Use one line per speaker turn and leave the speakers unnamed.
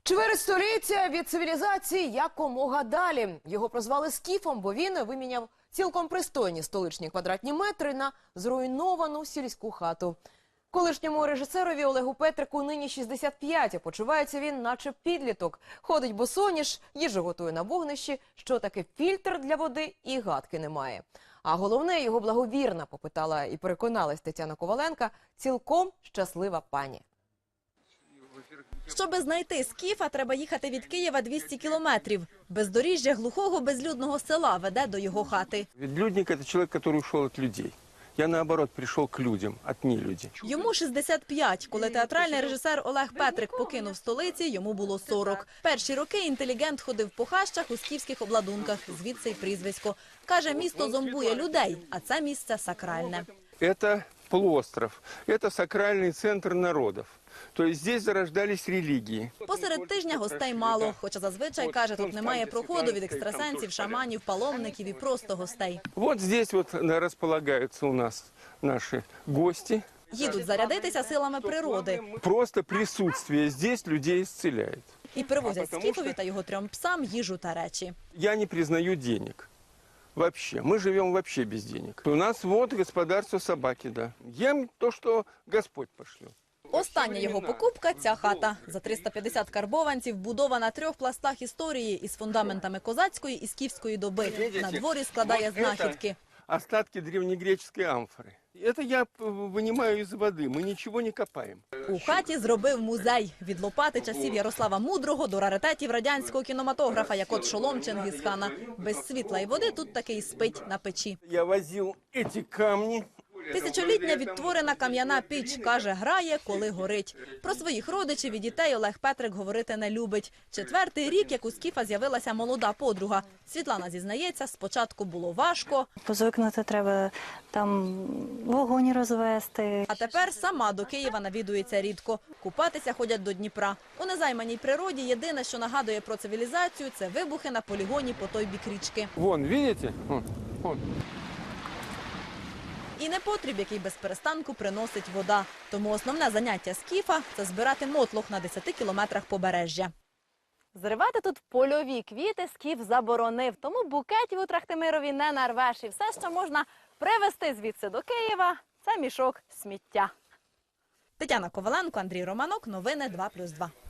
Чверть століття від цивілізації якомога далі. Його прозвали Скіфом, бо він виміняв цілком пристойні столичні квадратні метри на зруйновану сільську хату. Колишньому режисерові Олегу Петрику нині 65, а почувається він наче підліток. Ходить босоніж, їжу готує на вогнищі, що таке фільтр для води і гадки немає. А головне, його благовірна, попитала і переконалась Тетяна Коваленка, цілком щаслива пані.
Щоби знайти Скіфа, треба їхати від Києва 200 кілометрів. Бездоріжжя глухого безлюдного села веде до його хати.
Ведлюдник – это человек, который ушел от людей. Я, наоборот, пришел к людям, от нелюдей.
Йому 65. Коли театральний режисер Олег Петрик покинув столиці, йому було 40. Перші роки інтелігент ходив по хащах у скіфських обладунках, звідси й прізвисько. Каже, місто зомбує людей, а це місце сакральне.
Это полуостров, это сакральный центр народов. То есть здесь зарождались религии.
Посеред тижня гостей мало, хоча зазвичай, каже, тут немає проходу від екстрасенсів, шаманів, паломників і просто гостей.
Вот здесь вот располагаются у нас наши гости.
Їдуть зарядитися силами природи.
Просто присутствие здесь людей исцеляет.
І привозять Скіфові та його 3 псам їжу та речі.
Я не признаю денег. Вообще. Мы живем вообще без денег. У нас вот господарство собаки, да. Ем то, что Господь пошлет.
Остання його покупка – ця хата. За 350 карбованців, будова на 3 пластах історії із фундаментами козацької і скіфської доби. На дворі складає знахідки.
Остатки древнегреческой амфоры. Это я вынимаю из воды, мы ничего не копаем.
У хаті зробив музей. Від лопати часів Ярослава Мудрого до раритетів радянського кінематографа, як от шолом Чингісхана. Без світла і води тут таки й спить на печі.
Я возил эти камни.
Тисячолітня відтворена кам'яна піч, каже, грає, коли горить. Про своїх родичів і дітей Олег Петрик говорити не любить. 4-й рік, як у Скіфа з'явилася молода подруга. Світлана зізнається, спочатку було важко.
Позвикнути треба, там вогонь розвести.
А тепер сама до Києва навідується рідко. Купатися ходять до Дніпра. У незайманій природі єдине, що нагадує про цивілізацію, це вибухи на полігоні по той бік річки.
Вон, видите? Вон.
І непотріб, який без перестанку приносить вода. Тому основне заняття Скіфа – це збирати мотлох на 10 кілометрах побережжя. Зривати тут польові квіти Скіф заборонив, тому букетів у Трахтимирові не нарвеш. І все, що можна привезти звідси до Києва – це мішок сміття. Тетяна Коваленко, Андрій Романок. Новини 2+2.